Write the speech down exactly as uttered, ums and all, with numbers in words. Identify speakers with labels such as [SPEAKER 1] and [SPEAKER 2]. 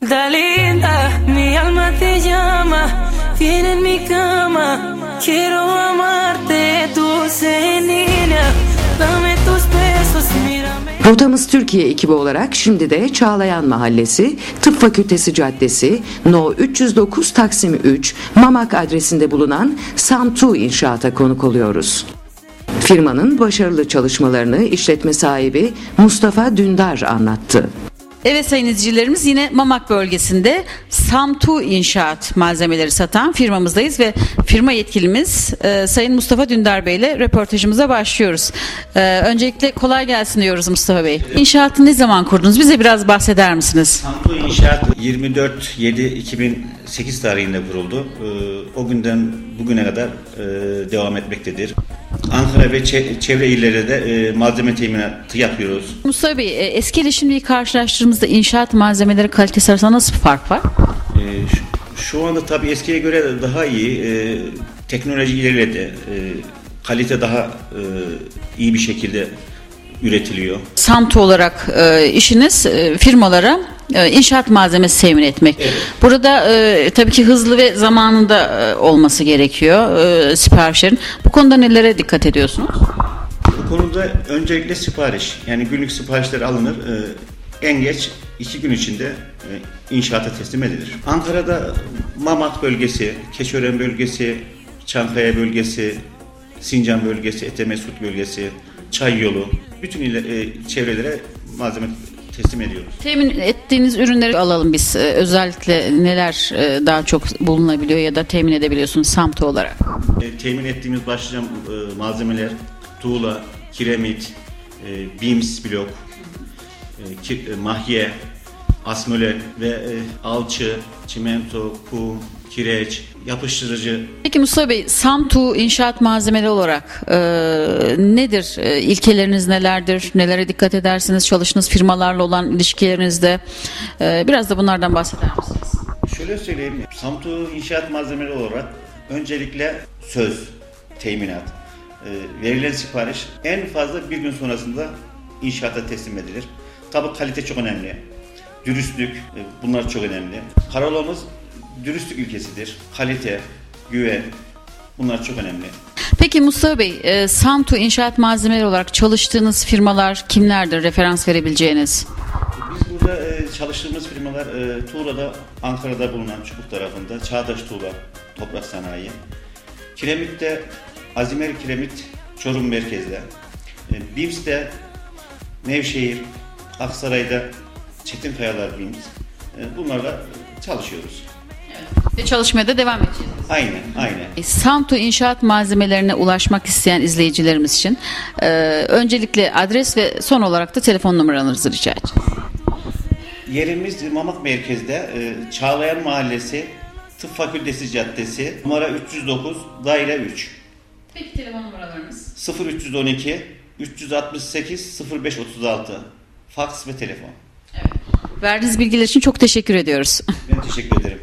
[SPEAKER 1] Da linda, mi alma te llama, viene en mi cama, quiero amarte, dulce niña, dame tus besos, mírame.
[SPEAKER 2] Rotamız Türkiye ekibi olarak şimdi de Çağlayan Mahallesi, Tıp Fakültesi Caddesi, No üç yüz dokuz Taksim üç, Mamak adresinde bulunan Samtu İnşaat'a konuk oluyoruz. Firmanın başarılı çalışmalarını işletme sahibi Mustafa Dündar anlattı.
[SPEAKER 3] Evet sayın izleyicilerimiz, yine Mamak bölgesinde Samtu İnşaat malzemeleri satan firmamızdayız ve firma yetkilimiz e, Sayın Mustafa Dündar Bey ile röportajımıza başlıyoruz. E, öncelikle kolay gelsin diyoruz Mustafa Bey. İnşaatı ne zaman kurdunuz? Bize biraz bahseder misiniz?
[SPEAKER 4] Samtu İnşaat yirmi dört yedi iki bin sekiz tarihinde kuruldu. E, o günden bugüne kadar e, devam etmektedir. Ankara ve çevre illerde de e, malzeme teminatı yapıyoruz.
[SPEAKER 3] Mustafa Bey, e, eski ile şimdiyi karşılaştırdığımızda inşaat malzemeleri kalitesi arasında nasıl bir fark var?
[SPEAKER 4] E, şu, şu anda tabii eskiye göre daha iyi. E, teknoloji ilerledi. E, kalite daha e, iyi bir şekilde üretiliyor.
[SPEAKER 3] Samtu olarak e, işiniz e, firmalara e, inşaat malzemesi temin etmek.
[SPEAKER 4] Evet.
[SPEAKER 3] Burada e, tabii ki hızlı ve zamanında e, olması gerekiyor e, siparişlerin. Bu konuda nelere dikkat ediyorsunuz?
[SPEAKER 4] Bu konuda öncelikle sipariş, yani günlük siparişler alınır. E, en geç iki gün içinde e, inşaata teslim edilir. Ankara'da Mamak bölgesi, Keçiören bölgesi, Çankaya bölgesi, Sincan bölgesi, Etemesut bölgesi, Çay Yolu, bütün ile, e, çevrelere malzeme teslim ediyoruz.
[SPEAKER 3] Temin ettiğiniz ürünleri alalım biz. E, özellikle neler e, daha çok bulunabiliyor ya da temin edebiliyorsunuz Samtu olarak?
[SPEAKER 4] E, temin ettiğimiz başlıca e, malzemeler tuğla, kiremit, e, beams blok, e, ki, e, mahye, asmöle ve e, alçı, çimento, kum, kireç, yapıştırıcı.
[SPEAKER 3] Peki Mustafa Bey, Samtu inşaat malzemeleri olarak e, nedir? E, ilkeleriniz nelerdir? Nelere dikkat edersiniz? Çalıştığınız firmalarla olan ilişkilerinizde e, biraz da bunlardan bahseder misiniz?
[SPEAKER 4] Şöyle söyleyeyim, Samtu inşaat malzemeleri olarak öncelikle söz, teminat, e, verilen sipariş en fazla bir gün sonrasında inşaata teslim edilir. Tabii kalite çok önemli, dürüstlük, e, bunlar çok önemli. Karalamız dürüstlük ilkesidir. Kalite, güven, bunlar çok önemli.
[SPEAKER 3] Peki Mustafa Bey, e, Samtu inşaat malzemeleri olarak çalıştığınız firmalar kimlerdir? Referans verebileceğiniz?
[SPEAKER 4] Biz burada e, çalıştığımız firmalar e, Tuğla'da, Ankara'da bulunan Çubuk tarafında Çağdaş Tuğla, Toprak Sanayi. Kiremit'te Azimer Kiremit, Çorum merkezde. E, Bims'te Nevşehir, Aksaray'da Çetin Kayalar Bims. E, bunlarla çalışıyoruz.
[SPEAKER 3] Ve çalışmaya da devam edeceğiz.
[SPEAKER 4] Aynen, aynen.
[SPEAKER 3] Samtu inşaat malzemelerine ulaşmak isteyen izleyicilerimiz için e, öncelikle adres ve son olarak da telefon numaranızı rica edeceğiz.
[SPEAKER 4] Yerimiz Mamak merkezde, e, Çağlayan Mahallesi, Tıp Fakültesi Caddesi, numara üç yüz dokuz, daire üç.
[SPEAKER 3] Peki telefon numaralarınız?
[SPEAKER 4] sıfır üç yüz on iki üç yüz altmış sekiz sıfır beş otuz altı. Faks ve telefon.
[SPEAKER 3] Evet. Verdiğiniz bilgiler için çok teşekkür ediyoruz.
[SPEAKER 4] Ben teşekkür ederim.